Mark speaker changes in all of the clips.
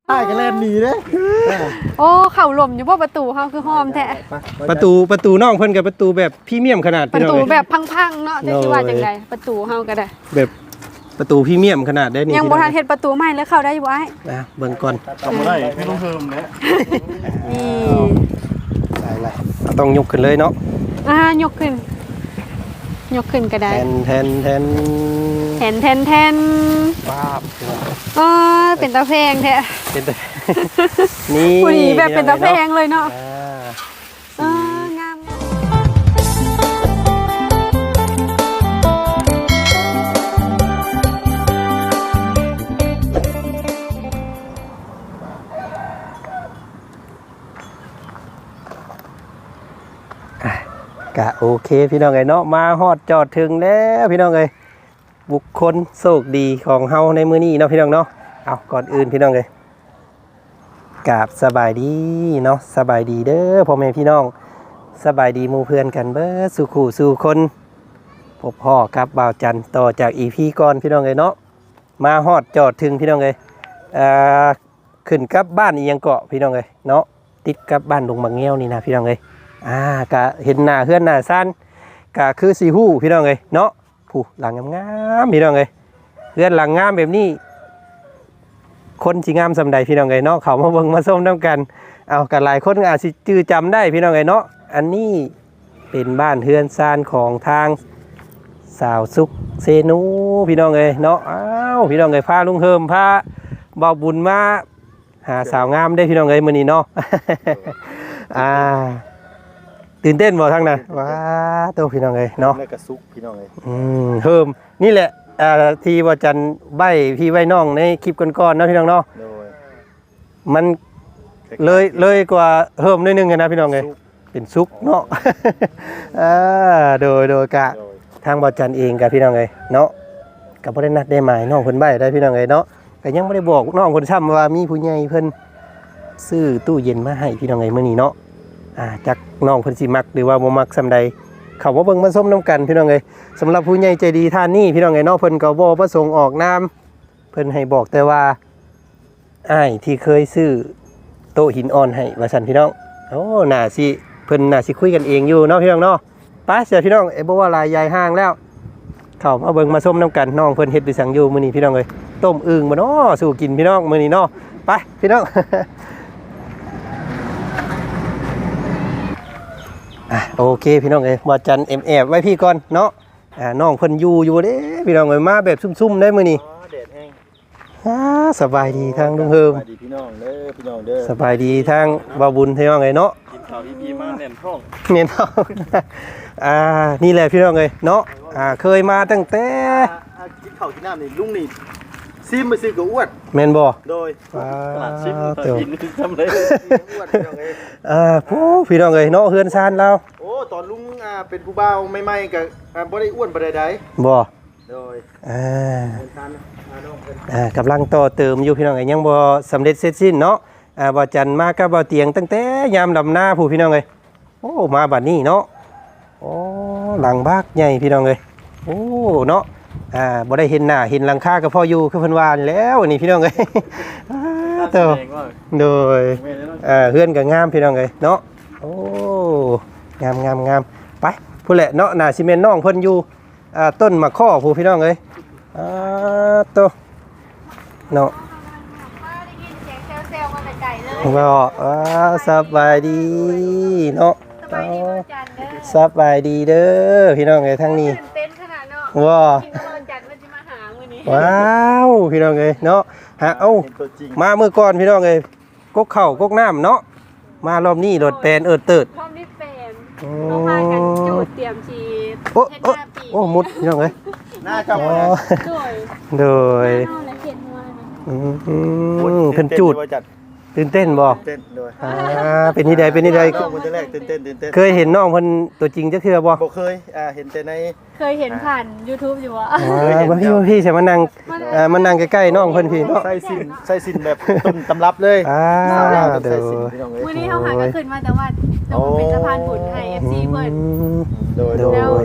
Speaker 1: ได้กันเล่นหนีเด้
Speaker 2: โอ้เข่าหล่มอยู่บ่ประตูเฮาคือหอมแท้
Speaker 3: ประตูน้องเพิ่นกับประตูแบบพรีเมียมขนาด
Speaker 2: ประตูแบบพังๆเนาะจะสิว่าจังไดประตูเฮาก็ได้
Speaker 3: แบบประตูพรีเมียมขนาดได้นี่
Speaker 2: ยังบ่ทันเฮ็ดประตูใหม่เลยเข้าได้อยู่อ้าย
Speaker 3: นะเบิ่งก่อน
Speaker 1: ทำบ่ได้ไม่ต้องเพิ่มแล้ว
Speaker 2: นี่
Speaker 3: ได้ต้องยกขึ้นเลยเนาะ
Speaker 2: ยกขึ้นก็ได้
Speaker 3: แทน
Speaker 2: แทน
Speaker 3: ป้าบ
Speaker 2: เป็นตาแพงแท้
Speaker 3: เป็นแต่ นี่
Speaker 2: ผู้ดีแบบเป็นตาแพงเลยเนาะ งาม
Speaker 3: กะโอเคพี่น้องเอ้ยเนาะมาฮอดจอดถึงแล้วพี่น้องเอ้ยบุคคลโชคดีของเฮาในมื้อนี้เนาะพี่น้องเนาะเอาก่อนอื่นพี่น้องเอ้ยกราบสบายดีเนาะสบายดีเด้อพ่อแม่พี่น้องสบายดีหมู่เพื่อนกันเบิดสู่คู่สู่คนพบพ่อครับบ่าวจันทร์ต่อจาก EP ก่อนพี่น้องเอ้ยเนาะมาฮอดจอดถึงพี่น้องเอ้ยขึ้นกับบ้านอีหยังเกาะพี่น้องเอ้ยเนาะติดกับบ้านดงบางแง้วนี่นะพี่น้องเอ้ยกะเห็นหน้าเฮือนหน้าซ่านกะคือสีหู้พี่น้องเอ้ยเนาะผู้หลังงามๆพี่น้องเอ้ยเฮือนหลังงามแบบนี้คนสิงามสำใดพี่น้องเอ้ยเนาะเขามาเบิ่งมาส้มน้ำกันเอากันหลายคนอาจสิจื้อจำได้พี่น้องเอ้ยเนาะอันนี้เป็นบ้านเฮือนซ่านของทางสาวสุขเซนูพี่น้องเอ้ยเนาะอ้าวพี่น้องเอ้ยพาลุงเฮิมพาเบาบุญมาหาสาวงามได้พี่น้องเอ้ยมื้อนี้เนาะ ตื่นเต้นบ่ทั้งนั้นว้าตัวพี่น้องเอ้ยเนาะ
Speaker 1: แล้วก็ซุกพี่น้องเอ้ย
Speaker 3: เพิ่มนี่แหละที่ว่าจันใบพี่ใบน้องในคลิปก่อนๆเนาะพี่น้องเนาะ
Speaker 1: โดย
Speaker 3: มันเลยกว่าเพิ่มนิดนึงนะพี่น้องเอ้ยเป็นซุกเนาะ โดยกะทางบ่จันเองกับพี่น้องเอ้ยเนาะก็บ่ได้นัดได้หมายน้องเพิ่นใบได้พี่น้องเอ้ยเนาะก็ยังบ่ได้บอกน้องเพิ่นซ้ำว่ามีผู้ใหญ่เพิ่นซื้อตู้เย็นมาให้พี่น้องเอ้ยมื้อนี้เนาะจักน้องเพิ่นสิมักหรือว่าบ่มักซำใดเขาว่าเบิ่งมาส้มน้ำกันพี่น้องเอ้ยสำหรับผู้ใหญ่ใจดีท่านนี้พี่น้องเอ้ยเนาะเพิ่นก็บ่ประสงค์ออกนามเพิ่นให้บอกแต่ว่าอ้ายที่เคยซื้อโต๊ะหินอ่อนให้ว่าซั่นพี่น้องโอ้น่าสิเพิ่นน่าสิคุยกันเองอยู่เนาะพี่น้องเนาะไปเสียพี่น้องบ่ว่าลายยายห้างแล้วเข้ามาเบิ่งมาส้มน้ำกันน้องเพิ่นเฮ็ดด้วยสังอยู่มื้อนี้พี่น้องเอ้ยต้มอึ่งบ่เนาะสู่กินพี่น้องมื้อนี้เนาะไปพี่น้อง โอเคพี่น้องเอ้ยบ่จันแอบไว้พี่ก่อนเนาะน้องเพิ่นอยู่เด้พี่น้องเอ้ยมาแบบซุ่มๆได้มื้อนี้
Speaker 1: แดดแห้ง
Speaker 3: สบายดีทางลุงเฮิม
Speaker 1: สวัสดีพี่น้องเด้อพี่น้องเด้อ
Speaker 3: สบายดีทางบ่าวบุญพี่น้องเอ้ยเนาะ
Speaker 1: กินข้าวพี่มาแน่นท้อง
Speaker 3: เน้นเอานี่แหละพี่น้องเอ้ยเนาะเคยมาตั้งแต่
Speaker 1: กินข้าวกินน้ำนี่ลุงนี่ซิมไปซื้อกับอ้วน
Speaker 3: แม่นบ่
Speaker 1: โดยตลาดซิมกินทำเลยอ้วนพี่น้องเอ้ย
Speaker 3: พี่น้องเอ้ยเนาะเฮือนซานเรา
Speaker 1: โอ้ตอนลุงเป็นผู้บ่าวใหม่ๆก็บ่ได้อ้วนบ่ได้ใด
Speaker 3: บ่
Speaker 1: โดย เป็นทานน้องเพิ่น
Speaker 3: กำลังต่อเติมอยู่พี่น้องเอ้ยยังบ่สำเร็จเสร็จสิ้นเนาะบ่จันมากับบ่เตียงตั้งแต่ยามดำนาผู้พี่น้องเอ้ยโอ้มาบัดนี้เนาะโอ้หลังบากใหญ่พี่น้องเอ้ยโอ้เนาะบ่ได้เห็นหน้าเห็นหลังคาก็พออยู่คือเพิ่นว่าแล้วนี่พี่น้องเอ้ยเต้าโดยเฮือนก็งามพี่น้องเอ้ยเนาะโอ้งามไปผู้แหละเนาะน่าสิแม่นน้องเพิ่นอยู่ต้นมะข้อผู้พี่น้องเอ้ยโตเนาะก็สบายดีเนาะสบายดีเด้อพี่น้องเอ้ยทั้งนี้ว้าว้าวพี่น้องเอ้ยเนาะมาเมื่อก่อนพี่น้องเอ้ยกกเข่ากกน้ำเนาะมารอบนี้รถแปลนเติด
Speaker 2: พร้อมดิแฟนต้องพากันจูดเตรียมชี
Speaker 3: โอ้มุดพี่น้องเอ้ย
Speaker 1: น่าจะ
Speaker 3: โดยเพิ่นจูดตื่นเต้นบ่
Speaker 1: เต้นโดย
Speaker 3: เป็นที่ใดเป็นที่ใด
Speaker 1: น้องคนแรกตื่นเต้น
Speaker 3: เคยเห็นน้องเพิ่นตัวจริงจักเทื่อบ่
Speaker 1: บ่เคยเห็นแต่ใน
Speaker 2: เคยเห็นผ่าน YouTube อยู่อ่ะ
Speaker 3: พี่ใช่มานั่งมานั่งใกล้ๆน้องเพิ่นพี่เนาะ
Speaker 1: ใส่สินแบบต้นตำรับเลย
Speaker 3: เด้อ
Speaker 2: มื้อนี้เฮาหาก็ขึ้นมาแต่ว่าต้องเป็นสะพานบุญให้ FC เพิ่น
Speaker 1: โดย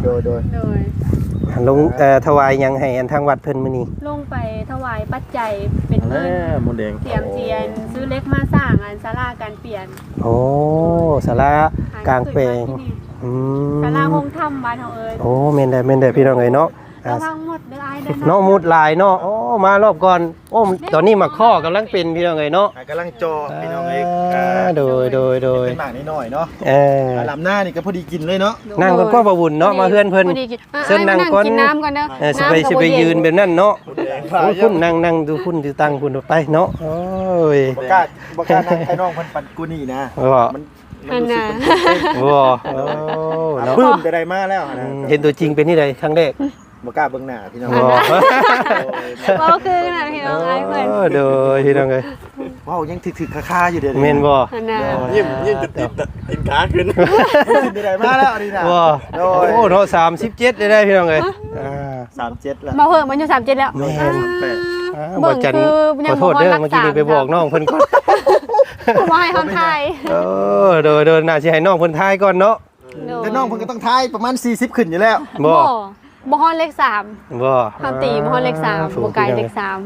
Speaker 3: ลงถวายหยังให้อันทางวัดเพิ่นมื้อนี้
Speaker 2: ลงไปถวายปัจจัยเป็นเงิน
Speaker 1: มนแดง
Speaker 2: เตรียมเทียนซื้อเล็กมาสร้างอันศาลาการเปลี่ยน
Speaker 3: โอ้ศาลากลางแปลงอืม
Speaker 2: ศาลาโฮงถ้ำบ้านเฮาเอ้ย
Speaker 3: โอ้แม่นได้พี่น้องเอ้ยเนาะ
Speaker 2: ระวังหมดเด้ออ้ายเด้อ
Speaker 3: เนาะมุดหลายเนาะโอ้มารอบก่อนโอ้ตอนนี้หมักข้อกำลังเป็นพี่น้องเอ้ยเนาะ
Speaker 1: กำลังจอพี่น้องเอ้ย
Speaker 3: โดย
Speaker 1: เป็นหมากนิดหน่อยเนาะ ลำหน้านี่ก็พอดีกินเลยเนาะ
Speaker 3: นั่งก่อนก็บ่วุ่นเนาะมาเฮือนเพิ่น เชิญนั่งก่อน
Speaker 2: กินน้ำก่อนเด้อ
Speaker 3: สิไปยืนแบบนั้นเนาะโอ้คุณนั่งดูคุณดูตั้งคุณไปเนาะโอ้ย
Speaker 1: บ่กล้านั่งให้น้องเพิ่นปั่นกูนี่นะ
Speaker 3: ว่า
Speaker 1: มัน
Speaker 2: อันน่ะ
Speaker 3: ว่าโอ้เนาะ
Speaker 1: ปื้มแต่ใดมาแล้วนะ
Speaker 3: เห็นตัวจริงเป็นที่ใดครั้งแรก
Speaker 1: บ่กล้าเบิ่งหน้าพี่น้อง
Speaker 3: ว่า
Speaker 2: บ่คือน่ะพี่น้องอ้ายเพิ่น
Speaker 3: โดยพี่น้องเอ้ย
Speaker 1: ว้าวยังถึกๆคาๆอยู่เด้อ
Speaker 3: แม่นบ่
Speaker 2: อันน่ะ
Speaker 1: ยิ้มติดขาขึ้นแต่ใดมาแล้วนี่นะ
Speaker 3: ว่าโอ้เนาะ37ได้พี่น้องเอ้ย
Speaker 1: 37แล้ว
Speaker 2: มาเพิ่มมันอยู่37แล้ว
Speaker 3: แม่น
Speaker 2: เบิ่
Speaker 3: บ่
Speaker 2: ง
Speaker 3: จัน
Speaker 2: คือยัง
Speaker 3: ขอโทษเด้อ
Speaker 2: บ่ฮอด
Speaker 3: เมื่อกี้นี่
Speaker 2: รักษา
Speaker 3: ไปบอกน้องเพิ่นก่อน
Speaker 2: บ่ให้เฮาทาย
Speaker 3: โดยน่าสิให้น้องเพิ่นทายก่อนเนาะ
Speaker 1: แต่น้องเพิ่นก็ต้องทายประมาณ40ขึ้นอยู่แล้ว
Speaker 3: บ่
Speaker 2: บ่ฮอดเลข3
Speaker 3: บ่
Speaker 2: เฮาตีบ่ฮอดเลข3บ่ไกลเลข3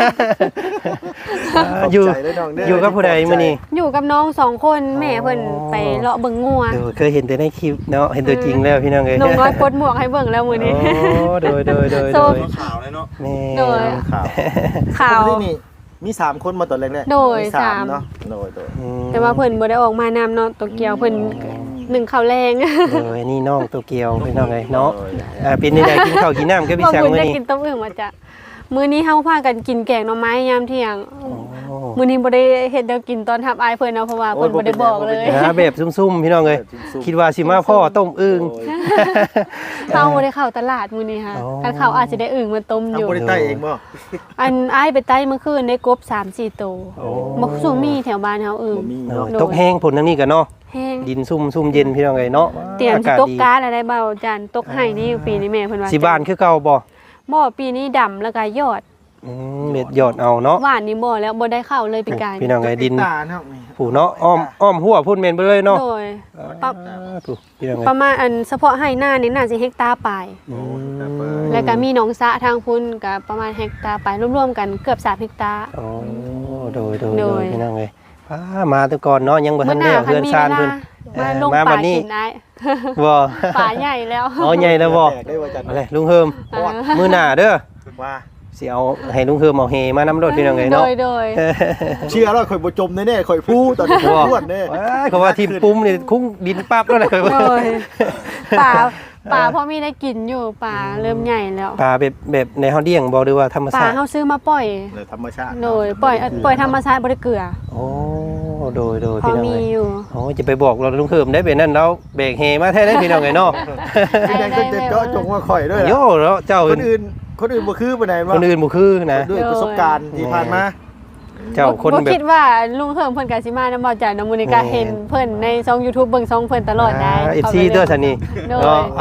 Speaker 3: อยู่
Speaker 1: ขอบใจเลยน้องเด้อ
Speaker 3: อยู่กับผู้ใดมื้อนี้
Speaker 2: อยู่กับน้อง2คนแม่เพิ่นไปเลาะเบิ่งงัว
Speaker 3: เดี๋ยวเคยเห็นแต่ในคลิปเนาะเห็นตัวจริงแล้วพี่น้องเอ้ย
Speaker 2: น้องน้อยปลดหมวกให้เบิ่งแล้วมื้อนี้
Speaker 3: โดย
Speaker 2: โซฟ
Speaker 1: ข่าวเลยเนาะ
Speaker 3: แม่
Speaker 2: โดย
Speaker 1: ข่าว
Speaker 2: ข่าว
Speaker 1: ที่นี่มี3คนมาตอนแรกๆ
Speaker 2: โดย
Speaker 1: มี
Speaker 2: สาม
Speaker 1: เนาะโดย
Speaker 2: แต่ว่าเพิ่นบ่ได้ออกมานำเนาะโตเกียวเพิ่นหนึ่งข้าวแรง
Speaker 3: นี่น้องโตเกียวพี่น้องเอ้ยเนาะเป็นนี่ได้กินข้าวกินน้ำกับพี่
Speaker 2: บ่
Speaker 3: ช่าง
Speaker 2: บุญ
Speaker 3: มื้อ
Speaker 2: ได้
Speaker 3: นี้
Speaker 2: กินต้มอึ่งมาจ้ะมื้อนี้เฮาพากันกินแกงหน่อไม้ยามเที่ยง
Speaker 3: โอ้
Speaker 2: มื้อนี้บ่ได้เฮ็ดแนวกินตอนทับอายเพิ่นเนาะเพราะว่าเพิ่นบ่ได้บอกเลย
Speaker 3: แบบซุ่มๆพี่น้องเอ้ยคิดว่าสิมาพ่อต้มอึ่ง
Speaker 2: เฮาบ่ได้เข้าตลาดมื้อนี้ค่ะ
Speaker 3: อ๋อ
Speaker 2: คันเข้าอาจจะได้อึ่งมาต้มอยู่
Speaker 1: ทำบริใต้เองบ่
Speaker 2: อันอายไปไต้เมื่อคืนได้กบ 3-4 ตัว
Speaker 3: โอ้
Speaker 2: บ่สูงมีแถวบ้านเฮาอึ่ง
Speaker 1: บ่มี
Speaker 3: เนาะ
Speaker 1: เนาะ
Speaker 3: ตกแห้งผลทั้งนี้กันเนาะ
Speaker 2: แห้ง
Speaker 3: ดินซุ่มเย็นพี่น้องเอ้ยเนาะ
Speaker 2: เตรียม
Speaker 3: อา
Speaker 2: สิ
Speaker 3: กาศ
Speaker 2: ตก
Speaker 3: ดี
Speaker 2: ก๊าซอะไรเบาจานตกให้นี่ปีนี้แม่เพิ่นว่า
Speaker 3: สิบ้านคือเก่าบ่
Speaker 2: บ่ปีนี้ดำแล้วก็ยอด
Speaker 3: เม็ดยอดเอาเนาะ
Speaker 2: หวานนี่บ่แล้วบ่ได้เข้าเลยปีกาย
Speaker 3: พี่น้องไอ้ดิน
Speaker 1: ตาเนาะนี่
Speaker 3: ผู้เนาะอ้อมหัวพุ่นเมนไปเลยเนาะ
Speaker 2: โดย ปั๊บ
Speaker 3: ผู้พี่น้องไง
Speaker 2: ประมาณอันเฉพาะให้หน้านี่น่าสิเฮกตาร์ปลาย แล้วก็มีหนองสระทางพุ่นก็ประมาณเฮกตาร์ปลายรวมๆกันเกือบ3เฮกตาร์
Speaker 3: โอ้โดย
Speaker 2: โดย
Speaker 3: พี่น้องไงมาแต่ก่อนเนาะยังบ่ทันได้เฮือนซานเพิ่น
Speaker 2: มาลง
Speaker 3: มา
Speaker 2: ป่า
Speaker 3: บัดนี้
Speaker 2: กินได้
Speaker 3: บ่
Speaker 2: ป่าใหญ่แล้ว
Speaker 3: อ๋อใหญ่แล้วบ่
Speaker 1: แตกได้ว่าจัด
Speaker 3: อะไรลุงเฮิมมื้อหน้าเด้อ
Speaker 1: ว่า
Speaker 3: สิเอาให้ลุงเฮิมเอาเฮมานำรถพี่น้องไง
Speaker 2: โด
Speaker 3: เนาะ
Speaker 2: ยโดย
Speaker 1: เชื่อแล้วข่อยบ่จมแน่ๆข่อยพู้ตอนนี้ข่อยพูดแน่
Speaker 3: เขาว่าทีมปุ้มนี่คุ้งดินปั๊บแล้วนะ
Speaker 2: โดยป่าพอมีได้กินอยู่ป่าเริ่มใหญ่แล้ว
Speaker 3: ปลาแบบในเฮาเลี้ยงบ่หรือว่าธรรม
Speaker 2: ป่า
Speaker 3: ชาติ
Speaker 2: เฮาซื้อมาปล่อย
Speaker 1: เลยธรรมชาติ
Speaker 2: โดยปล่อยธรรมชาติบ่ได้เกลือ
Speaker 3: โอ้โดย
Speaker 2: พอ
Speaker 3: พี่น้อง
Speaker 2: มี
Speaker 3: ไง
Speaker 2: อยู่
Speaker 3: โอ้จะไปบอกเราลุงเฮิมได้เป็นนั่นแล้วเบรกเฮมาแท้ได้พี่น้องไงเนาะ
Speaker 1: ที่ใดก็จะเจาะจงว่าข่อยด้วย
Speaker 3: โย่แล้วเจ้า
Speaker 1: คนอื่นบ่คือปานใด
Speaker 3: คนอื่นบ่คือนะ
Speaker 1: ด้วยประสบการณ์ที่ผ่านมา
Speaker 3: เจ้าคน
Speaker 2: บ่
Speaker 3: แบบ
Speaker 2: คิดว่าลุงเฮิมเพิ่นก็สิมานำบ่จ่าน้ำมูนิกาเห็นเพิ่นในช่อง YouTube เบิ่งช่องเพิ่นตลอดได้
Speaker 3: FC เด้อท่านนี่
Speaker 2: โดย
Speaker 3: เนาะ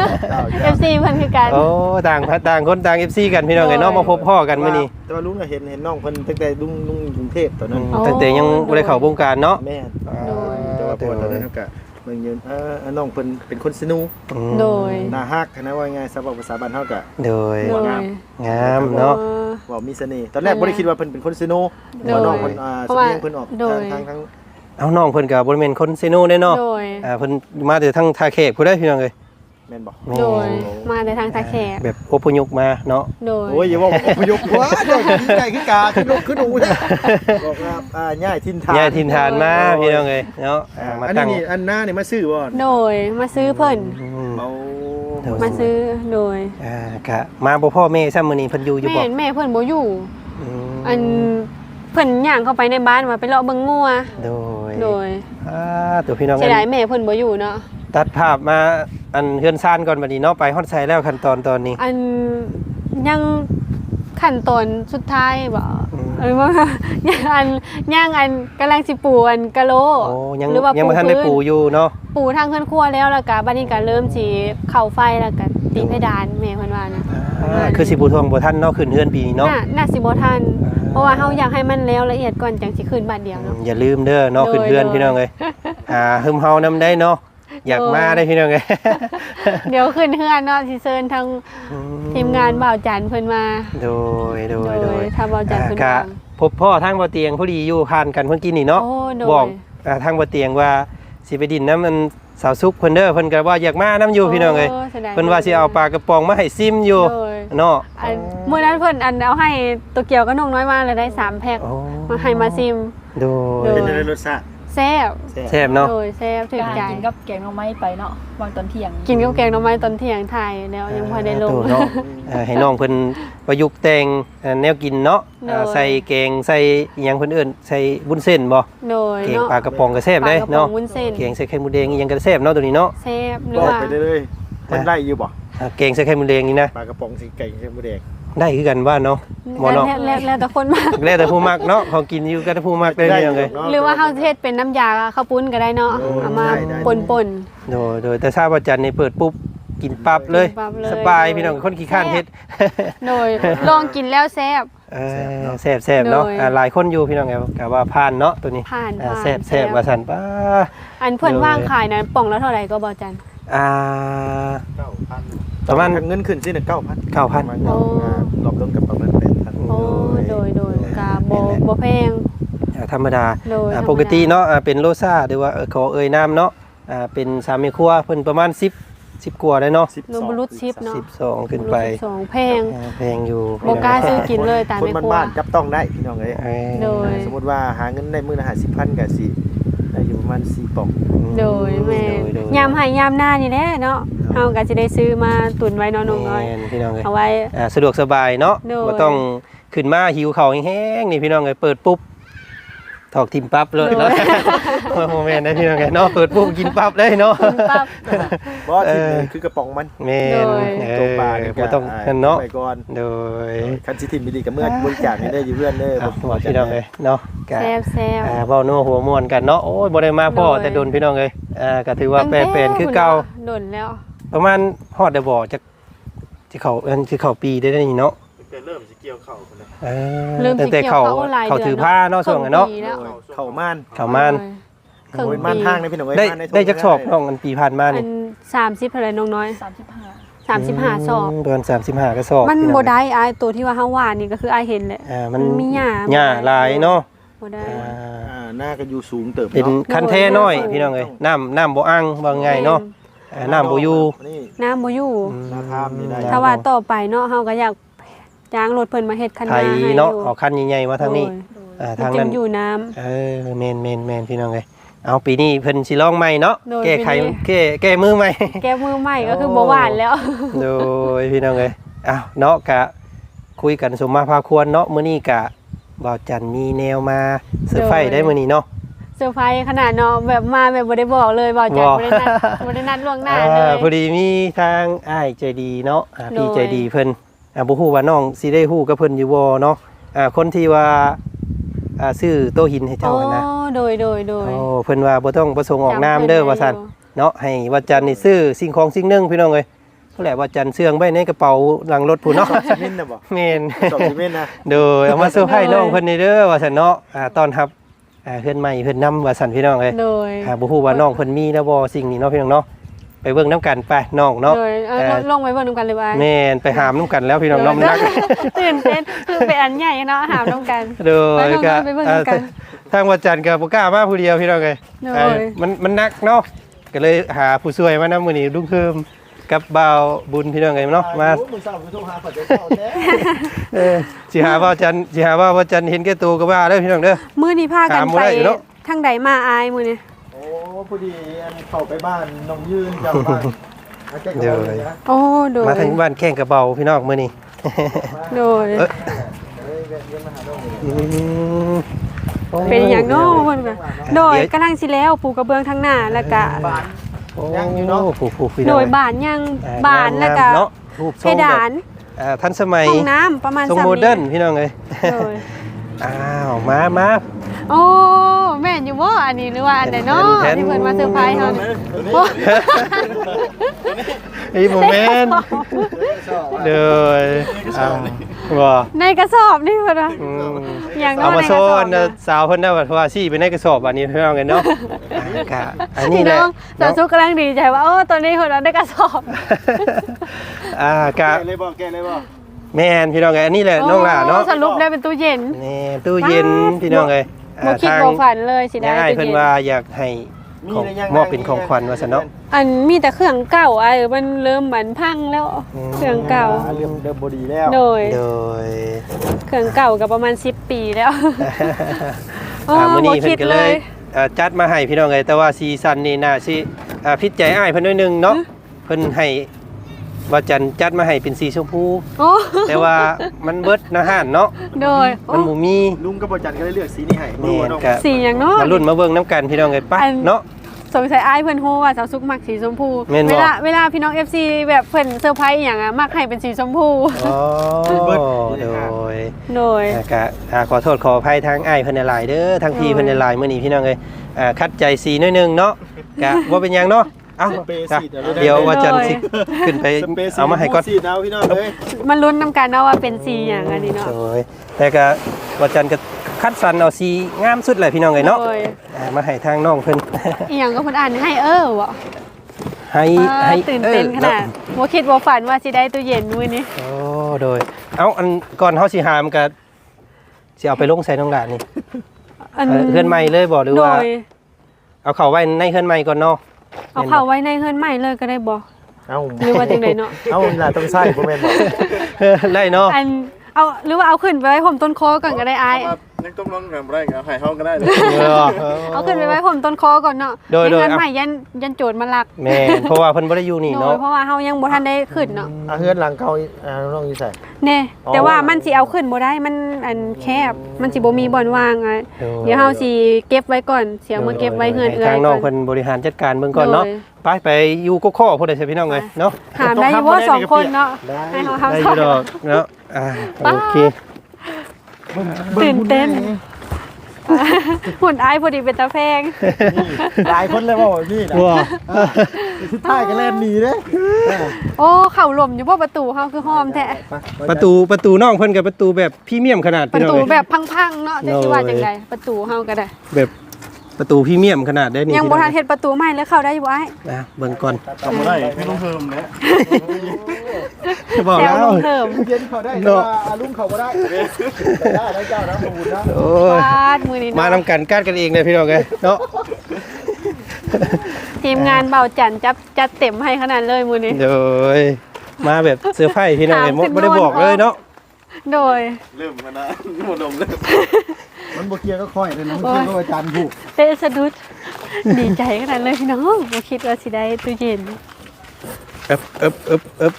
Speaker 2: FC เพิ่นคือกัน
Speaker 3: โอ้ต่างคนต่าง FC กันพี่น้องไงเนาะมาพบพ่อกันมื้อนี้
Speaker 1: แต่ว่าลุงก็เห็นน้องเพิ่นตั้งแต่ลุงกรุงเทพตอนนั้น
Speaker 3: ตั้งแต่ยังบ่ได้เข้าวงการเนาะ
Speaker 1: แม่น
Speaker 2: โดย
Speaker 1: แต่ว่าพอตอนนั้นก็เบิ่งยืนน้องเพิ่นเป็นคนสนุก
Speaker 2: โดย
Speaker 1: น่าฮักนะว่าไงสำหรับภาษาบ้านเฮาก็
Speaker 3: โดย
Speaker 2: โดย
Speaker 3: งามเนาะ
Speaker 1: ว่ามีเสน่ห์ตอนแรกบ่ได้คิดว่าเพิ่นเป็นคนสนุก
Speaker 2: โดย
Speaker 1: ว่าน้องเพิ่นสำเนียงเพิ่นออก
Speaker 2: โดย
Speaker 1: ทาง
Speaker 3: เอาน้องเพิ่นก็บ่ได้แม่นคนเซโนเด้เนาะ
Speaker 2: โดย
Speaker 3: เพิ่นมาแต่ทางท่าแขกผู้ใดพี่น้องเอ้ย
Speaker 1: แม่นบ่
Speaker 3: แม่
Speaker 2: โดยมาในทางตาแขก
Speaker 3: แบบอพยพมาเนาะ
Speaker 2: โดย
Speaker 1: โอ้ยอย่าว่าอพยพว่าเจ้าดีใจคือกาขึ้นลูกขึ้นหนูเนี่ยบอกว่าย้ายถิ่นฐาน
Speaker 3: ย้ายถิ่นฐานมาพี่น้องเอ้ยเนาะมา
Speaker 1: อัน
Speaker 3: ตั้ง
Speaker 1: นี้อันหน้านี่มาซื้อบ่
Speaker 2: โดยมาซื้อเพิ่น
Speaker 1: เอา
Speaker 2: มาซื้อโดย
Speaker 3: กะมาบ่พ่อแม่ซ้ำมื้อนี้เพิ่นอยู่อยู่บ่
Speaker 2: แม่เพิ่นบ่อยู่
Speaker 3: ม
Speaker 2: อันเพิ่นย่างเข้าไปในบ้านมาไปเลาะเบิ่งงัว
Speaker 3: โดย
Speaker 2: โดย
Speaker 3: ตัวพี่น้อง
Speaker 2: เสียดายแม่เพิ่นบ่อยู่เนาะ
Speaker 3: ตัดภาพมาอันเฮือนซ่านก่อนบัดนี้เนาะไปฮอดไสแล้วขั้นตอนนี้
Speaker 2: อันยังขั้นตอนสุดท้ายบ่
Speaker 3: อืม
Speaker 2: ว่า ย่างอันกำลังสิปูอันกะโหล
Speaker 3: โอ้ยัง
Speaker 2: หรือว่า
Speaker 3: ยังบ่ทันได้ปูอยู่เนาะ
Speaker 2: ปูทางเฮือนครัวแล้วแล้วก็บัดนี้ก็เริ่มสิเข้าไฟแล้วก็ตีเพดานแม่เพิ่นว่านะ
Speaker 3: คือสิปูทวงบ่ทันเนาะขึ้นเฮือนปีนี้เนาะ
Speaker 2: น่าสิบ่ทันเพราะว่าเฮาอยากให้มันแล้วละเอียดก่อนจังสิขึ้นบัดเดียวเนาะ
Speaker 3: อย่าลืมเด้อเนาะ
Speaker 2: โดย
Speaker 3: ขึ้นเฮือน
Speaker 2: โดย
Speaker 3: พี่น้องเอ้ยหึมเฮานำได้เนาะอยากมาได้พี่น้องเอ้ย
Speaker 2: เดี๋ยวขึ้นเฮือนเนาะสิเชิญทางทีมงานบ่าวจันเพิ่นมา
Speaker 3: โดย
Speaker 2: ถ้าบ่าวจันเพิ่น
Speaker 3: กะ
Speaker 2: มา
Speaker 3: พบพ่อทางบ่เตียงพอดีอยู่ผ่านกันเพิ่นกินนี่เนาะ
Speaker 2: โอ้โด
Speaker 3: บอก
Speaker 2: ย
Speaker 3: ทางบ่เตียงว่าสิไปดินน้ำมันสาวซุกเพิ่นเด้อเพิ่นก็ว่าอยากมาน้ำอยู่พี่น้องเอ้ย
Speaker 2: โสียดย
Speaker 3: เพิ่นว่าสิเอาปลากระป๋องมาให้ซิมอยู่
Speaker 2: โดย
Speaker 3: เนาะ
Speaker 2: อันมื้อนั้นเพิ่นอันเอาให้ตัวเกียวก็นงน้อยมาเลยได้3แพ็ค
Speaker 3: โอ้
Speaker 2: มาให้มาซิม
Speaker 3: โดย
Speaker 2: โด
Speaker 1: เป็นในรสชาติ
Speaker 2: แซ่บ
Speaker 3: แซ่บเนาะ
Speaker 2: โดยแซ่บถึงใจ
Speaker 4: กินกับแกงหน่อไม้ไปเนาะวางตอนเที่ยง
Speaker 2: กินกับแกงหน่อไม้ตอนเที่ยงไทยแล้วยังพอได้ลง
Speaker 3: โเนาะให้น้องเพิ่นประยุกต์แต่งแนวกินเนาะ
Speaker 2: โดย
Speaker 3: ใส่แกงใส่อิหยังเพิ่นเอิ้นใส่วุ้นเส้นบ่
Speaker 2: โดย
Speaker 3: แกง
Speaker 2: เนาะ
Speaker 3: ปลากระป๋องก็แซ่บเด้
Speaker 2: ปลากระป๋
Speaker 3: เนาะ
Speaker 2: องวุ้นเส้น
Speaker 3: แกงใส่ไข่มดแดงอีหยังก็แซ่บเนาะตัวนี้เนาะ
Speaker 2: แซ่บหรื
Speaker 1: บ
Speaker 2: อ
Speaker 1: อก
Speaker 2: ว่า
Speaker 1: ไปเรื่อยๆมันได้อยู่บ่
Speaker 3: แกงใส่ไข่มดแดงนี่นะ
Speaker 1: ปลากระป๋องสีไก่ใช่หมูแดง
Speaker 3: ได้คือกันว่าเนาะบ่เนาะ
Speaker 2: แล้วแต่คนมาก
Speaker 3: แล้วแต่ผู้มักเนาะเขากินอยู่ก็แต่ผู้มักได้เรื่องเลย
Speaker 2: หรือว่าเฮาเทศเป็นน้ำยาข้าวปุ้นก็ได้เนาะเอามาป่น
Speaker 3: โดยแต่ทราบว่าจันนี่เปิดปุ๊บกินปั๊บเลย
Speaker 2: กินปั๊บเลย
Speaker 3: สบายพี่น้องคนขี้ข้านเฮ็ด
Speaker 2: ๆโดยลองกินแล้วแซ่บ
Speaker 3: แซ่บๆเนาะ
Speaker 2: โดย
Speaker 3: หลายคนอยู่พี่น้องไงก็ว่าผ่านเนาะตัวนี้
Speaker 2: ผ่าน
Speaker 3: แซ่บว่าซั่นป้า
Speaker 2: อันเพิ่นว่างขายนะป่องละเท่าไหร่ก็บ่จัน
Speaker 3: อ่า
Speaker 1: 9,000
Speaker 3: ประมาณ
Speaker 1: เงินขึ้นสิ9,000
Speaker 3: 9,000
Speaker 1: รอบรวมกับประมาณ8,000
Speaker 2: โอ้โดยกาบ่แพง
Speaker 3: ธรรมดา
Speaker 2: โดย
Speaker 3: ปกติเนาะเป็นโลซ่าหรือว่าขอเอ่ยน้ำเนาะเป็นสามีครัวเพิ่นประมาณ10กว่าได้เนาะ
Speaker 2: โนบรุษชิปเนาะ
Speaker 3: 12ขึ้นไป
Speaker 2: 12แพง
Speaker 3: แพงอยู่
Speaker 2: บ่กล้าซื้อกินเลยตาม
Speaker 1: คน
Speaker 2: ในครัว
Speaker 1: บ้านๆจับต้องได้พี่น้องเอ้ย
Speaker 2: โดย
Speaker 1: สมมุติว่าหาเงินได้มื้อละ50,000ก็สิได้อยู่ประมาณ4ป่อง
Speaker 2: โดยแม่ยามให้ยามหน้านี่แหละเนาะเฮาก็สิได้ซื้อมาตุนไว้เนาะน้องน้อย
Speaker 3: แม่นพี่น้องเอ้ย
Speaker 2: เอาไว้
Speaker 3: สะดวกสบายเนาะ
Speaker 2: โดย
Speaker 3: บ่ต้องขึ้นมาหิวข้าวแห้งๆนี่พี่น้องเอ้ยเปิดปุ๊บถอกทิมปั๊บเลยเนาะโมเมนต์นะพี่น้องเอ้ยเนาะเปิดปุ๊บกินปั๊บเลยเนาะ
Speaker 2: ปั๊บ
Speaker 1: บ่ที่นี่คือกระป๋องมัน
Speaker 3: แม่น
Speaker 2: โดย
Speaker 1: ตัวปลา
Speaker 3: บ่ต้องนั่นเนาะ
Speaker 1: ไปก่อน
Speaker 3: โดย
Speaker 1: คันสิทิมดีกับเมื่อบริจาคให้ได้อยู่เพื่อนเด้อ
Speaker 3: บอกพี่น้องเอ้ยเนาะก็
Speaker 2: แซ่บ
Speaker 3: เว้านัวหัวม่วนกันเนาะโอ้ยบ่ได้มาพ่อ
Speaker 2: โดย
Speaker 3: แต่โดนพี่น้องเอ้ยก็ถือว่า
Speaker 2: ตั้ง
Speaker 3: แปลนคือเก่า
Speaker 2: โดนแล้ว
Speaker 3: ประมาณฮอดได้บ่จักสิเข้าสิเข้าปีได้นี่เนาะ
Speaker 1: เริ่มสิเกี่ยวเข้าพุ่นน่ะ
Speaker 2: เริ่ม
Speaker 3: ตั้
Speaker 2: สิ
Speaker 3: งแต่
Speaker 2: เกี่ยว
Speaker 3: เขา
Speaker 2: เข้าหลาย
Speaker 3: เขา
Speaker 2: เดือน
Speaker 3: ถือผ้าเนาะช่วงนั้นเนาะ
Speaker 2: ครึ่งปีแล้ว
Speaker 1: เข้าม่าน
Speaker 3: เข้าม่าน
Speaker 2: ครึ่ง
Speaker 1: โอ้ย
Speaker 2: ปี
Speaker 1: ม่านทางนะพี่น้องเอ้ย
Speaker 3: ได้
Speaker 1: ม่านใน
Speaker 3: ได้จักสอบน้องอันปีผ่านมา
Speaker 2: อั
Speaker 3: นี่
Speaker 2: น30เท่าไหร่น้องน้อย
Speaker 4: 35
Speaker 2: 35สอบ
Speaker 3: เดือน35ก็สอบ
Speaker 2: มัน
Speaker 3: พี่อง
Speaker 2: บ่ได้อายตัวที่ว่าเฮาว่านี่ก็คืออายเห็นแหละ
Speaker 3: มัน
Speaker 2: มีหญ้า
Speaker 3: หญ้าหลายเนาะ
Speaker 2: บ่ได้
Speaker 1: หน้าก็อยู่สูงเติบ
Speaker 3: เป็น
Speaker 1: เนาะ
Speaker 3: คันแท้น้อยพี่น้องเอ้ยน้ำบ่อั้งว่าไงเนาะน้ำบ่อยู่
Speaker 1: นี่
Speaker 2: น้ำบ่อยู่
Speaker 1: หน้าทามนี่ได้
Speaker 2: ถ้าว่าต่อไปเนาะเฮาก็อยากจ้างรถเพิ่นมาเฮ็ดคัน
Speaker 3: ไท
Speaker 2: นาย ให้
Speaker 3: เนาะ
Speaker 2: อยู่
Speaker 3: เอาคันใหญ่ๆมาทางนี้
Speaker 2: โดย
Speaker 3: ทาง
Speaker 2: มันจึ
Speaker 3: นั้น
Speaker 2: งอยู่น้ำ
Speaker 3: แม่นพี่น้องเอ้ยเอาปีนี้เพิ่นสิลองใหม่เนาะ
Speaker 2: โดย
Speaker 3: แก้ไข
Speaker 2: ปีนี้
Speaker 3: แก้มือใหม่
Speaker 2: แก้มือใหม่ก็คือบ่หวานแล้ว
Speaker 3: โดยพี่น้องเอ้ยอ้าวเนาะกะคุยกันสมมาพาควรเนาะมื้อนี้กะบ่าวจันมีแนวมาเซอร์ไพรส์ได้มื้อนี้เนาะ
Speaker 2: เซอร์ไพรส์ขนาดเนาะแบบมาแบบบ่ได้บอกเลยบอกจัด
Speaker 3: บอก
Speaker 2: บ่ได้นัดล่วงหน้าเลย
Speaker 3: พอดีมีทางอ้ายใจดีเนาะพี่
Speaker 2: โดย
Speaker 3: ใจดีเพิ่นบ่ฮู้ว่าน้องสิได้ฮู้กับเพิ่นอยู่บ่เนาะคนที่ว่าซื้อโต๊ะหินให้เจ้านะ
Speaker 2: อ๋อโดย
Speaker 3: โอ้เพิ่นว่าบ่ต้องประสงค์ออกนามเด้อว่าซั่นเนาะให้ว่าจันนี่ซื้อสิ่งของสิ่งหนึงพี่น้องเอ้ยผู้แหละว่าจันเสื่องไว้ในกระเป๋าหลังรถผู้เนาะ
Speaker 1: ซีเมนต์น่ะบ่
Speaker 3: แม่น
Speaker 1: สอบซีเมนต์นะ
Speaker 3: โดยเอามาเซอร์ไพรส์น้องเพิ่นนี่เด้อว่าซั่นเนาะต้อนรับเพื่อนใหม่เพิ่นนำว่าซั่นพี่น้องเอ้ย
Speaker 2: โดย
Speaker 3: บ่ฮู้ว่าน้องเพิ่นมีแล้วบ่สิ่งนี้เนาะพี่น้องเนาะไปเบิ่งนํกันไปน้องเนาะ
Speaker 2: โดยลงไปเบิ่งนำกันเลยว่า
Speaker 3: แม่นไปหามนํกันแล้วพี่น้องเน้องนัก
Speaker 2: ตื่นเต้นคือเป็นอันใหญ่เนาะหามนำกัน
Speaker 3: โดย
Speaker 2: ไป
Speaker 3: ก็
Speaker 2: ไปเบิ่งนำกัน
Speaker 3: ทางวัดจันทร์ก็บ่กล้ามาผู้เดียวพี่น้องเอ้ย
Speaker 2: โดย
Speaker 3: มันหนักเนาะก็เลยหาผู้ช่วยมานำมื้อนี้ลุงเพิ่มกับบ่าวบุญพี่น้องเอ้ยเนาะมา
Speaker 1: โอ้มึงเศร้ามึงโทรหาเขาจะเศร้าแท้
Speaker 3: สิหาว่าจันทร์สิหาว่าจันทร์เห็นแก่ตัวก็ว่าเด้อพี่น้องเด้อ
Speaker 2: มื้อนี้พากัน
Speaker 3: ถามบ่
Speaker 2: ไป
Speaker 3: ได้อยู่เนาะ
Speaker 2: ทางใดมาอายมื้อนี้
Speaker 1: โอ้พอดีอันเข้าไปบ้านน้องยืนจากบ้านอาจจะเข้าเลยนะ
Speaker 2: โอ้โดย
Speaker 3: มาทางบ้านแข้งกระเบาพี่น้องมื้อนี้
Speaker 2: โดย
Speaker 1: เฮ้ยเรียนมาหาน้องเลย
Speaker 3: อืมโ
Speaker 2: เป็นอย่างเนาะเพิ่นก็โดยกำลังสิแล้วปูกระเบื้องทางหน้าแล้วก็
Speaker 1: บ้าน
Speaker 3: โอ้
Speaker 1: ยังอยู่เนาะ
Speaker 3: ผู้พี่น้
Speaker 2: โด
Speaker 3: อง
Speaker 2: ยบานยัง
Speaker 3: เอ้ย
Speaker 2: บานแล้วก็
Speaker 3: งามๆเนาะรูปท
Speaker 2: เพ
Speaker 3: รงแบบ
Speaker 2: ดาน
Speaker 3: ทันสมัย
Speaker 2: ห้องน้ำประมาณ
Speaker 3: ทรง
Speaker 2: 3
Speaker 3: โมเดิร์นพี่น้องเอ้ย
Speaker 2: โดย
Speaker 3: อ้าวมา
Speaker 2: โอ้แม่นอยู่บ่อันนี้หรือว่าอันใดเนาะ
Speaker 3: แทน
Speaker 2: ที่เพิ่นมาเซอร์ไพรส์เฮานี่โอ้
Speaker 3: ไอ้โมเมนต์เด้ออ้าวว่า
Speaker 2: ในกระสอบนี่เพิ่นว่า
Speaker 3: อืม
Speaker 2: อย่างน้
Speaker 3: เอา
Speaker 2: อย
Speaker 3: มา
Speaker 2: ในก
Speaker 3: โช
Speaker 2: ระส
Speaker 3: ว์
Speaker 2: อบ
Speaker 3: อันน่ะสาวเพิ่นได้ว่าเพราะว่าซี่ไปในกระสอบอันนี้พี่น้องกันเนาะกะอันนี้
Speaker 2: พี่
Speaker 3: แห
Speaker 2: น้
Speaker 3: ละ
Speaker 2: องสาวสุกกำลังดีใจว่าโอ้ตัวนี้เพิ่นเอาได้กระสอบ
Speaker 3: กะ
Speaker 1: แกเลยบ่แกเลยบ่
Speaker 3: แม่นพี่น้องเอ้ยอันนี้แหละน้องล่ะเนาะ
Speaker 2: สรุปแล้วเป็นตู้เย็น
Speaker 3: นี่ตู้เย็นพี่น้องเอ้ย
Speaker 2: บ่คิดบ่ฝันเลยสิได้
Speaker 3: ง่าย
Speaker 2: ตู้
Speaker 3: เพิ่น
Speaker 2: เย็น
Speaker 3: ว่าอยากให้ของมอบเป็นของขวัญว่าซั่นเนาะ
Speaker 2: อันมีแต่เครื่องเก่ามันเริ่มเหมือนพังแล้ว เครื่องเก่า
Speaker 1: เริ่มเดิมบ่ดีแล้ว
Speaker 2: โดย
Speaker 3: โดย
Speaker 2: เครื่องเก่าก็ประมาณ10 ปีแล้ว
Speaker 3: มื้อนี้
Speaker 2: บ่
Speaker 3: เพิ่
Speaker 2: คิด
Speaker 3: นก็
Speaker 2: เล
Speaker 3: เลย
Speaker 2: ย
Speaker 3: จัดมาให้พี่น้องเอ้ยแต่ว่าซีซั่นนี้น่าสิผิดใจอ้ายเพิ่นหน่อยหนึงเนาะเพิ่นให้ว่าจันจัดมาให้เป็นสีชมพู
Speaker 2: โอ้
Speaker 3: แต่ว่ามันเบิดนะฮานเนาะ
Speaker 2: โดย
Speaker 3: มันบ่มี
Speaker 1: ลุงกับบ่จันก็เลยเลือกสีนี้ให้
Speaker 3: แม่น
Speaker 1: เนาะ
Speaker 3: ก็
Speaker 2: สีอย่างเนาะ
Speaker 3: มาลุ้นมาเบิ่งน้ำกันพี่น้องเอ้ยไป
Speaker 2: อัน
Speaker 3: เนาะ
Speaker 2: สงสัยอ้ายเพิ่นฮู้ว่าสาวซุกมักสีชมพู
Speaker 3: แม่นบ่
Speaker 2: เวลาพี่น้อง FC แบบเพิ่นเซอร์ไพรส์อหย่างมักให้เป็นสีชมพู
Speaker 3: อ๋อโดย
Speaker 2: โดย
Speaker 3: ก็ขอโทษขออภัยทางอ้ายเพิ่นหลายๆเด้อทางพี่เพิ่นหลายๆมื้อนี้พี่น้องเอ้ยคัดใจสีหน่อยหนึงเนาะก็บ่เป็นหยังเนาะเอ้า
Speaker 1: สเปรย์
Speaker 3: จ้ะ
Speaker 1: สีด
Speaker 3: เดี๋ยวว่าจันสิขึ้นไป
Speaker 1: สเปรย์สี
Speaker 3: เอามาให้ก่อน
Speaker 1: สีดเอาพี่น้องเอ้ย
Speaker 2: มันลุ้นนำกันเนาะว่าเป็นสีอย่างอันนี้เนาะ
Speaker 3: โดยแต่ก็ว่าจันก็คัดสรรเอาสีงามสุดเลยพี่น้องเอ้ยเนาะ
Speaker 2: โดย
Speaker 3: มาให้ทางน้องเพิ่น
Speaker 2: อีหยังก็เพิ่นอ่านให้บ่
Speaker 3: ให้
Speaker 2: ตื่นเต้นขนาดบ่คิดบ่ฝันว่าสิได้ตู้เย็นมื้อนี้
Speaker 3: โอ้โดยเอ้าอันก่อนเฮาสิหามก็สิเอาไปลงใส่น้องหลานนี่เฮือนใหม่เลยบ่หรือ
Speaker 2: โด
Speaker 3: ว่าย เอาเข้าไว้ในเฮือนใหม่ก่อนเนาะ
Speaker 2: เอาเข้าไว้ในเฮือนใหม่เลยก็ได้บ่
Speaker 1: เอ้า
Speaker 2: หรือว่าจังไดเนาะ
Speaker 1: เอ้าล่ะต้องใส่บ่แม่นบ่
Speaker 3: ได้เนาะ
Speaker 2: อันเอาหรือว่าเอาขึ้นไปไว้ผมต้นคอก่อนก็ได้อ้าย
Speaker 1: ยังต้องลองกันบ่ได้ก็ให้เฮาก็ได้เลย
Speaker 2: เอาขึ้นไปไว้ผมต้นคอก่อนเนาะ
Speaker 3: โดย
Speaker 2: ในเฮือนใหม่ยันโจรมาลัก
Speaker 3: แม่นเพราะว่าเพิ่นบ่ได้อยู่นี่
Speaker 2: โด
Speaker 3: เนาะ
Speaker 2: ยเพราะว่าเฮายังบ่ทันได้ขึ้นเนาะ
Speaker 1: เฮือนหลังเก่าน้องอยู่ใส่
Speaker 2: แน่แต่ว่ามันสิเอาขึ้นบ่ได้มันอันแคบมันสิบ่มีบ่อนว่างอ่ะเดี๋ยวเฮาสิเก็บไว้ก่อนเสียมาเก็บไว้เฮือนเอื้อย
Speaker 3: ทางน้อง
Speaker 2: ก่
Speaker 3: เพิ่
Speaker 2: อน
Speaker 3: นบริหารจัดการเบิ่งก่อนเนาะ
Speaker 2: โดย
Speaker 3: ไปอยู่ก็ข้อพุ่นได้ใช่พี่น้องเอ้ยเนาะ
Speaker 2: ถามได้อยู่ว่าสองคนเนาะให้เฮา
Speaker 3: ได้อ
Speaker 2: ทำ
Speaker 3: ยู่ดอกเนาะโอเค
Speaker 2: ตื่นเต้นหุ่นอ้ายพอดีเป็นตาแพง
Speaker 1: หลายคนเลยว่านี่นะ
Speaker 3: ว้า
Speaker 1: สุดท้ายก็แล่นหนีเด้
Speaker 2: โอ้เข่าหล่มอยู่บ่ประตูเฮาคือหอมแท้
Speaker 3: ประตูน้องเพิ่นกับประตูแบบพรีเมียมขนาด
Speaker 2: ป
Speaker 3: พี่
Speaker 2: ระ
Speaker 3: น้อง
Speaker 2: ตู
Speaker 3: เอ้ย
Speaker 2: แบบพังๆเนาะจะสิว่าจังไดประตูเฮาก็ได้
Speaker 3: แบบประตูพรีเมียมขนาดได้นี่
Speaker 2: ยังบ่ทันเฮ็ดประตูใหม่เลยเข้าได้อยู่อ้าย
Speaker 3: นะเบิ่งก่อน
Speaker 1: ทำอะไรไม่ต้องเพิ่มนะ
Speaker 3: บอก
Speaker 2: แซ
Speaker 3: แล้ว ว
Speaker 2: ลงเพิ่ม
Speaker 1: เย็นเขาได้แต่ว่าลุงเขาก็ได้ได้เจ้านะขอบคุณนะ
Speaker 3: โอ้ยว
Speaker 2: าดมื้อนี้
Speaker 3: มา
Speaker 2: เนาะ
Speaker 3: นำกันกัดกันเองเลยพี่น้องเอ้ยเนาะ
Speaker 2: ทีมงานเบาจันจัดเต็มให้ขนาดเลยมื้อนี้
Speaker 3: โดยมาแบบเซอร์ไพรส์พี่น้องเอ้ย
Speaker 2: ถามขึ้น
Speaker 3: บ่ได้บอกเลยเนาะ
Speaker 2: โดย
Speaker 1: เริ่มมานะหมดลมเริ่มมันบ่เคลียร์ก็ค่อยเลยนะมันเคลียร์ก็อาจารย์ผูก
Speaker 2: เตะสะดุดดีใจขนาดเลยพี่น้องบ่คิดว่าสิได้ตู้เย็น
Speaker 3: อึบ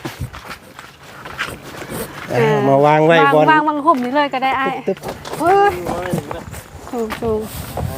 Speaker 3: มาวางไว้บน
Speaker 2: วางห่มนี่เลยก็ได้อ้ายเฮ้ยสูง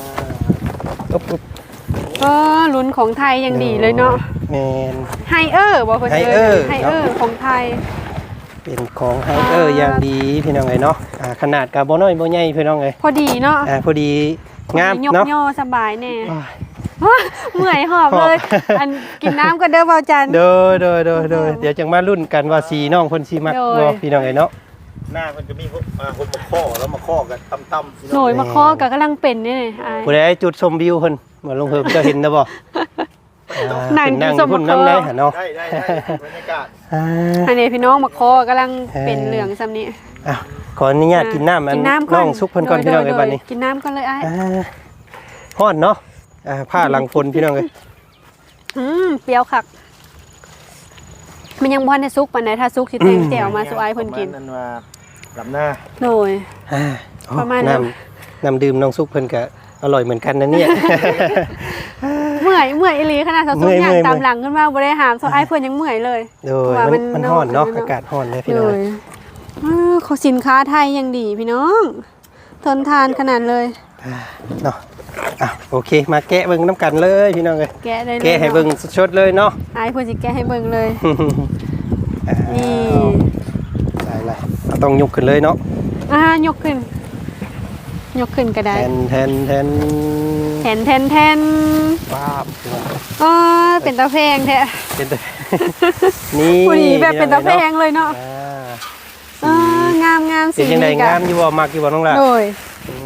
Speaker 2: ลุ้นของไทยยังดีเลยเนาะ
Speaker 3: แมน
Speaker 2: ไฮเออร์บอกเพิ่น
Speaker 3: ไฮเออร์
Speaker 2: ไฮเออร์ของไทย
Speaker 3: เป็นของไฮเออร์อย่างดีพี่น้องเอ้ยเนาะขนาดกับบ่น้อยบ่ใหญ่พี่น้องเอ้ย
Speaker 2: พอดีเนาะ
Speaker 3: พอดีงาม
Speaker 2: ยก
Speaker 3: เนาะ
Speaker 2: ย่อสบายแน่เมื่อยหอบเลย อันกินน้ำก็เด้อเบาจัน
Speaker 3: โดยเดี๋ยวจังมาลุ้นกันว่าสีน้องเพิ่นสิมัก
Speaker 2: โดย
Speaker 3: บ่พี่น้องเอ้ยเนาะ
Speaker 1: หน้ามันจะมีคนมาข้อแล้วมาข้อกันต่ำๆ
Speaker 2: หน่วยมาข้อก็กำลังเป็นนี่อ้าย
Speaker 3: ผู้ใดจุดชมวิวเพิ่นมาลงเพิ่มจะเห็นนะบ่
Speaker 2: นั่ง
Speaker 3: นั่ง
Speaker 2: จุดชม
Speaker 3: พุ่น
Speaker 2: มะ
Speaker 3: น้ำ
Speaker 2: เค
Speaker 3: ได้
Speaker 2: อ
Speaker 3: หั่นเนาะ
Speaker 1: ได้บรรยากาศ
Speaker 2: อันนี้พี่น้องมาข้อกำลังเป็นเหลืองซ้ำนี้
Speaker 3: ขออนุญาตกินน้ำอัน
Speaker 2: กินน้ำก่
Speaker 3: น้
Speaker 2: อ
Speaker 3: อน งซุปเพิ่นก่อนพี่น้องเอ้ยบัดนี้
Speaker 2: กินน้ำก่อนเลยอ้าย
Speaker 3: ฮ้อนเนาะผ้าหลังฝนพี่น้องเอ้ย
Speaker 2: เปรี้ยวคักมันยังบ่ทันได้สุกปานใดถ้าสุกสิแต่งแจ่วมาสู่อ้ายเพิ่นกิน
Speaker 1: นั่นว่าลำหน้า
Speaker 2: โดย ประมาณนั้น
Speaker 3: น้ำดื่มน้องซุปเพิ่นก็อร่อยเหมือนกันนะเนี่ย
Speaker 2: เมื่อยอีหลีขนาดสาวสุกอย่างตามหลังขึ้นมาบ่ได้หามสู่อ้ายเพิ่นยังเมื่อยเลย
Speaker 3: โดย
Speaker 2: ว่ามั
Speaker 3: มันร้อนเนาะ
Speaker 2: เนาะ
Speaker 3: อากาศร้อนเลยพี่
Speaker 2: โด
Speaker 3: น้อง
Speaker 2: ยเขาสินค้าไทยยังดีพี่น้องทนทานขนาดเลย
Speaker 3: เนาะโอเคมาแกะเบิ่งน้ำกันเลยพี่น้องเลย
Speaker 2: แกะได้เลย
Speaker 3: แกะให้เบิ่งสดๆเลยเนาะ
Speaker 2: อ้ายเพิ่นสิแกะให้เบิ่งเลยนี่
Speaker 3: ได้ต้องยกขึ้นเลยเนาะ
Speaker 2: ยกขึ้นก็
Speaker 3: แท
Speaker 2: ได้
Speaker 3: น
Speaker 2: แทน
Speaker 3: ป้าบ
Speaker 2: เป็นตาแพงแท้
Speaker 3: เป็นตัว นี่
Speaker 2: ผู้นี้แบบเป็นตาแพงเลยเนาะ
Speaker 3: อ่าง
Speaker 2: าม
Speaker 3: เป็นยังไงงามอยู่บ่มักอยู่บ่น้องล่ะ
Speaker 2: โดย
Speaker 3: อืม
Speaker 2: ห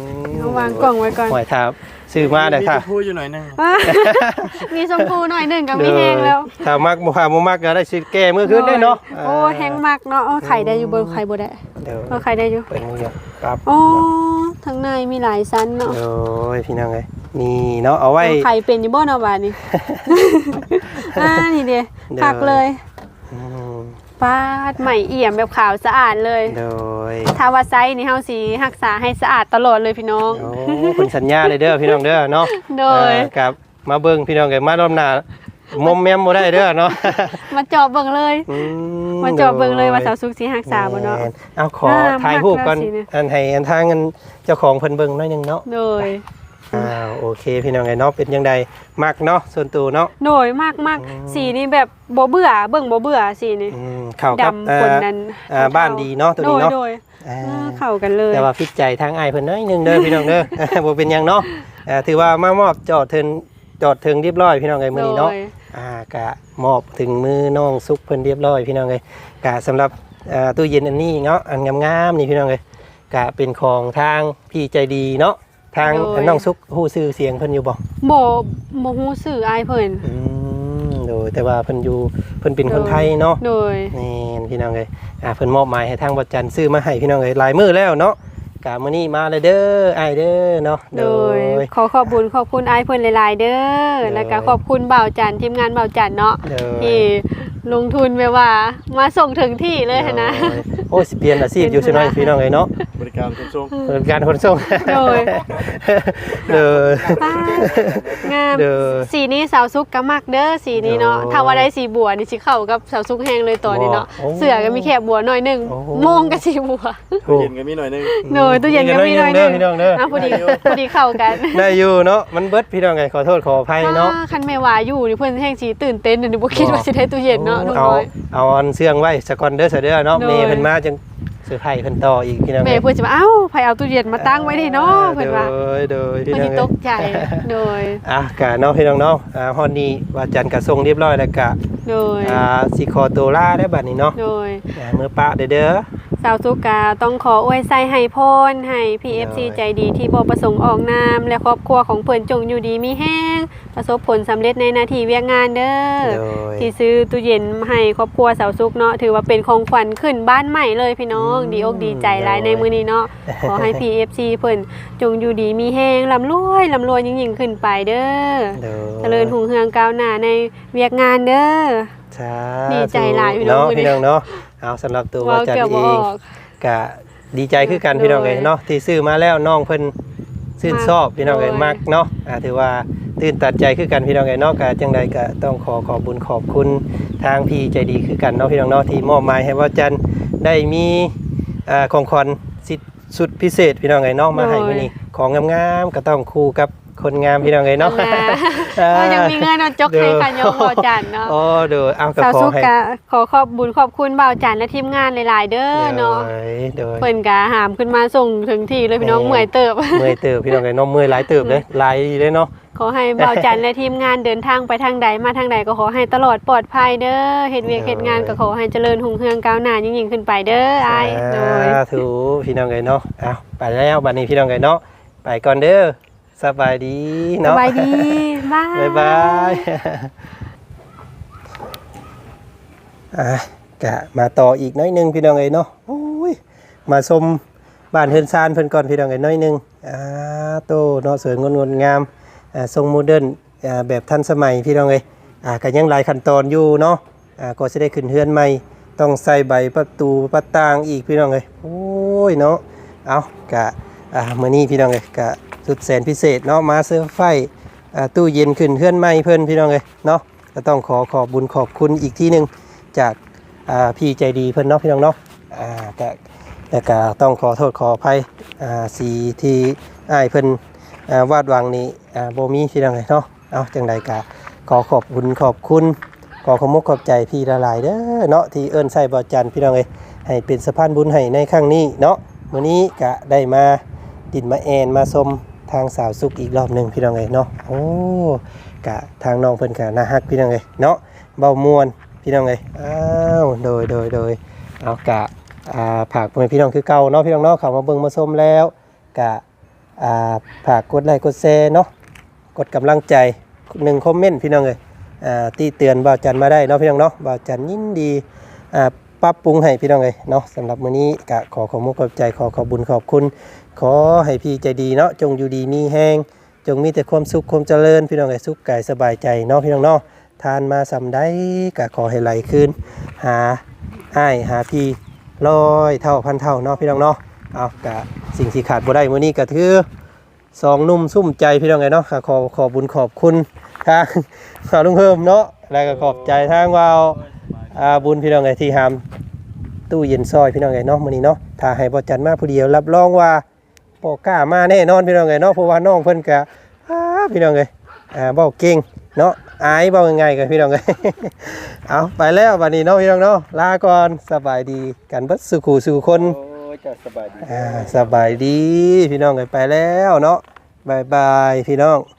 Speaker 2: เอาวางกล่องไว้ก่อน
Speaker 3: หอยทาซื้อมาเด้อค่ะ
Speaker 1: พูดอยู่หน่อยนึง
Speaker 2: มีชมพูหน่อยหนึงก็มีแห้งแล้ว
Speaker 3: ถ้ามักบ่มักก็ได้สิแก้มื้อคืนได้เนาะ
Speaker 2: โอ้แห้งมากเนาะโอ้ไข่ได้อยู่บนไข่บ่ได้
Speaker 3: เดี๋ยว
Speaker 2: ไข่ได้อยู่
Speaker 3: เปิดมือครับ
Speaker 2: อ๋อข้างในมีหลายชั้นเนาะ
Speaker 3: โอ้ยพี่น้องเอ้ยนี่เนาะเอาไว้
Speaker 2: ไข่เป็นอยู่บ่เนาะบาดนี้ นี่เด้พักเลย
Speaker 3: อืม
Speaker 2: ปาดใหม่เอี่ยมแบบขาวสะอาดเลย
Speaker 3: โดย
Speaker 2: ถ้าว่าไซส์นี่เฮาสิรักษาให้สะอาดตลอดเลยพี่น้อง
Speaker 3: โอ้คุณสัญญาเลยเด้อพี่น้องเด้อเนาะ
Speaker 2: โดย
Speaker 3: ครับมาเบิ่งพี่น้องเอ้ยมารอบหน้ามอมแมมบ่ได้เด้อเนาะ
Speaker 2: มาจอบเบิ่งเลย
Speaker 3: อื
Speaker 2: มาจอบเบิ่งเลยว่าสาวสุขสิรักษาบ่เนาะ
Speaker 3: แม่เอาขอ
Speaker 2: อ่า
Speaker 3: ถ่ายรูปก่อน
Speaker 2: มากแล้วสิเนี่ย
Speaker 3: อันให้อันทางอันเจ้าของเพิ่นเบิ่งหน่อยหนึงเนาะ
Speaker 2: โดย
Speaker 3: โอเคพี่น้องเอ้ยเนาะเป็นจังไดมักเนาะส่วนตัวเนาะ
Speaker 2: โดยมากสีนี่แบบบ่เบื่อเบิ่งบ่เบื่อสีนี่
Speaker 3: เข้ากับ
Speaker 2: ดำคนนั้น
Speaker 3: บ้านดีเนาะตัวนี้เนาะ
Speaker 2: โดย
Speaker 3: อ่า
Speaker 2: เข้ากันเลย
Speaker 3: แต่ว่าฟิตใจทางอ้ายเพิ่นน้อยหนึงเด้อพี่น้องเด้อ บ่เป็นหยังเนาะถือว่ามามอบจอดถึงเรียบร้อยพี่น้องเอ้ยมื้อนี้เนาะ
Speaker 2: โดย
Speaker 3: กะมอบถึงมือน้องซุกเพิ่นเรียบร้อยพี่น้องเอ้ยกะสำหรับตู้เย็นอันนี้เนาะอันงามๆนี่พี่น้องเอ้ยกะเป็นของทางพี่ใจดีเนาะทางน้องซุกฮู้ชื่อเสียงเพิ่นอยู่บ่
Speaker 2: บ่ฮู้ชื่ออายเพิ่น
Speaker 3: โดยแต่ว่าเพิ่นอยู่เพิ่นเป็นคนไทยเนาะ
Speaker 2: โดย
Speaker 3: นี่พี่น้องเอ้ยเพิ่นมอบหมายให้ทางบ่จันทร์ซื้อมาให้พี่น้องเอ้ยหลายมื้อแล้วเนาะกะมื้อนี้มาเลยเด้ออ้ายเด้อเนาะ
Speaker 2: โดยขอขอบคุณอายเพิ่นหลายๆเด้อแล้วก็ขอบคุณบ่าวจันทีมงานบ่าวจันเนาะ
Speaker 3: โดย
Speaker 2: ที่ลงทุนแบบว่ามาส่งถึงที่เลยหั้นนะ
Speaker 3: โอ้ยสิเปลี่ยนอาชีพอยู่ซิน้อยพี่น้องเอ้ยเนาะ
Speaker 1: บริการขนส่ง
Speaker 3: บริการขนส่ง
Speaker 2: โดย
Speaker 3: เด้อ
Speaker 2: ป้างาม
Speaker 3: เด้อ
Speaker 2: สีนี้สาวซุกก็มักเด้อสีนี้เนาะ
Speaker 3: โอ้
Speaker 2: ถ้าว่าได้สีบัวนี่สิเข้ากับสาวซุกแห้งเลยตัวนี้เนาะ
Speaker 3: โอ้
Speaker 2: เสือก็มีแคบบัวหน่อยหนึง
Speaker 3: โอ้
Speaker 2: โมงก็สีบัว
Speaker 1: ตู้เย็นก็มีหน่อยนึง
Speaker 2: โดยตู้เย็นก็มีหน่อยหนึง
Speaker 3: พี่น้องเด้อ
Speaker 2: พอดีเข้ากัน
Speaker 3: ได้อยู่เนาะมันเบิดพี่น้องไงขอโทษขออภัยเนาะ
Speaker 2: คันแม่ว่าอยู่นี่เพิ่นแห้งสีตื่นเต้นนี่บ่คิดว่าสิได้ตู้เย็นเนาะน้อง
Speaker 3: เอา
Speaker 2: น้อย
Speaker 3: เอาอันเสื่องไว้สกอนเด้อเสยเด้อเนาะ
Speaker 2: โดย
Speaker 3: เมย์เพิ่นมาจังเซอร์ไพรส์เพิ่นต่ออีกพี่น้อง
Speaker 2: แม่เพิ่นสิว่าเอ้าไผเอาตู้เย็นมาตั้งไว้ได้เนาะเพิ่นว่า
Speaker 3: โดยพี่
Speaker 2: เพิ่น
Speaker 3: น้อ
Speaker 2: สิ
Speaker 3: ง
Speaker 2: ตกใจโดย
Speaker 3: กะเนาะพี่น้องเนาะฮอดนี้ว่าจันทร์กะส่งเรียบร้อยแล้วกะ
Speaker 2: โดย
Speaker 3: สิขอตัวลาได้อบัดนี้เนาะ
Speaker 2: โดย
Speaker 3: มื้อปะเด้อ
Speaker 2: สาวสุกาต้องขออวยไส้ให้พรให้ PFC ใจดีที่บ่ประสงค์ออกนามและครอบครัวของเพิ่นจงอยู่ดีมีแห้งประสบผลสำเร็จในหน้าที่เวียกงานเด้อ
Speaker 3: โดย
Speaker 2: ที่ซื้อตู้เย็นให้ครอบครัวสาวสุกเนาะถือว่าเป็นของขวัญขึ้นบ้านใหม่เลยพี่น้องดีอกดีใจหลายในมื้อนี้เนาะขอให้ PFC เพิ่นจงอยู่ดีมีแห้งร่ำรวยยิ่งๆขึ้นไปเด้อ
Speaker 3: โดย
Speaker 2: เจริญหุ่งเฮืองก้าวหน้าในเวียกงานเด้อ
Speaker 3: สา
Speaker 2: ดีใจหลายพี่น้อง
Speaker 3: เนาะ
Speaker 2: มื้อนี้
Speaker 3: พี่น้องเนาะเอาสำหรับตัวว่าจันทร์เองกะดีใจคือกันพี่น้องเอ้ยเนาะที่ซื้อมาแล้วน้องเพิ่นชื่นชอบพี่น้องเอ้ยมักเนาะถือว่าตื่นตัดใจคือกันพี่น้องเอ้ยเนาะกะจังใดก็ต้องขอบคุญขอบคุณทางพี่ใจดีคือกันเนาะพี่น้องเนาะที่มอบหมายให้ว่าจันทร์ได้มีของขวัญสุดพิเศษพี่น้องเอ้ยเนาะมาให้มื้อนี้ของงามๆก็ต้องคู่กับคนงามพี่น้องเอ้ยเนาะ
Speaker 2: ก็ยังมีเงินเอาจกให้กันยงบ่าวจันเนาะ
Speaker 3: โอ้เด้อเอาก็
Speaker 2: สาว
Speaker 3: ขอ
Speaker 2: สุ
Speaker 3: ให้
Speaker 2: กะขอขอบบุญขอบคุณบ่าวจันและทีมงานหลายๆเด้อเนาะ
Speaker 3: เด้อ
Speaker 2: เพิ่นกะหามขึ้นมาส่งถึงที่เลยพี่น้องเมื่อยเติบ
Speaker 3: เมื่อยเติบพี่น้องเอ้ยเนาะเมื่อยหลายเติบเด้อหลายดีเลยเนาะ
Speaker 2: ขอให้บ่าวจันและทีมงานเดินทางไปทางใดมาทางใดก็ขอให้ตลอดปลอดภัยเด้อเฮ็ดเวียกเฮ็ดงานก็ขอให้เจริญหุ่งเฮืองก้าวหน้ายิ่งๆขึ้นไปเด้ออ้ายโดย
Speaker 3: สาธุพี่น้องเอ้ยเนาะเอาไปแล้วบัดนี้พี่น้องเอ้ยเนาะไปก่อนเด้อสบายดี
Speaker 2: ส
Speaker 3: เนาะ
Speaker 2: บายดีบ๊าย
Speaker 3: บ๊ายบายกะมาต่ออีกน้อยหนึงพี่น้องเอ้ยเนาะโอ้ยมาชมบ้านเฮือนซานเพิ่นก่อนพี่น้องเอ้ยน้อยหนึงโตเนาะสวยงดงามทรงโมเดิร์นแบบทันสมัยพี่น้องเอ้ยก็ยังหลายขั้นตอนอยู่เนาะก็สิได้ขึ้นเฮือนใหม่ต้องใส่ใบประตูประต่างอีกพี่น้องเอ้ยโอ้ยเนาะเอากะมื้อนี้พี่น้องเอ้ยกะสุดแสนพิเศษเนาะมาเซอร์ไพรส์ตู้เย็นขึ้นเฮือนใหม่เพิ่นพี่น้องเอ้ยเนาะก็ต้องขอบบุญขอบคุณอีกทีหนึงจากพี่ใจดีเพิ่นเนาะพี่น้องเนาะแต่ก็ต้องขอโทษขออภัยสีที่อ้ายเพิ่นวาดหวังนี่บ่มีพี่น้องเอ้ยเนาะเอาจังใดก็ขอบคุณขอบคุณขอบมกขอบใจพี่ละหลายเด้อเนาะที่เอิ้นใส่บ่จันทร์พี่น้องเอ้ยให้เป็นสะพานบุญให้ในครั้งนี้เนาะมื้อนี้ก็ได้มาดินมาแอนมาชมทางสาวสุขอีกรอบหนึงพี่น้องเอ้ยเนาะโอ้กะทางน้องเพิ่นก็น่าฮักพี่น้องเอ้ยเนาะเบามวนพี่น้องเอ้ยอ้าวโดยเอากะผากเพื่อนพี่น้องคือเก่าเนาะพี่น้องเนาะเข้ามาเบิ่งมาชมแล้วกะฝากกดไลค์กดแชร์เนาะกดกำลังใจ1คอมเมนต์พี่น้องเอ้ยที่เตือนบ่าวจันมาได้เนาะพี่น้องเนาะบ่าวจันยินดีปรับปรุงให้พี่น้องเอ้ยเนาะสำหรับมื้อนี้ก็ขอมุกขอบใจขอบุญขอบคุณขอให้พี่ใจดีเนาะจงอยู่ดีมีแฮงจงมีแต่ความสุขความเจริญพี่น้องเอ้ยสุขกายสบายใจเนาะพี่น้องเนาะทานมาสำได้ก็ขอให้ไหลคืนหาอ้ายหาพี่100 เท่าพันเท่าเนาะพี่น้องเนาะเอากะสิ่งที่ขาดบ่ได้มื้อนี้ก็คือ2หนุ่มซุ่มใจพี่น้องเอ้ยเนาะขอบุญขอบคุณทางลุงเพิ่มเนาะแล้วก็ขอบใจทางว่าวบุญพี่น้องเอ้ยที่หามตู้เย็นซอยพี่น้องเอ้ยเนาะมื้อนี้เนาะถ้าให้บ่จันมาผู้เดียวรับรองว่าบ่กล้ามาแน่นอนพี่น้องเอ้ยเนาะเพราะว่าน้องเพิ่นก็พี่น้องเอ้ยเว้าเก่งเนาะอายเว้าง่ายๆกันพี่น้องเอ้ย เอาไปแล้วบัดนี้เนาะพี่น้องเนาะลาก่อนสบายดีกันเบิดสู่คู่สู่คน
Speaker 1: โอ้ยจะสบายดี
Speaker 3: สบายดีพี่น้องเอ้ยไปแล้วเนาะบ๊ายบายพี่น้อง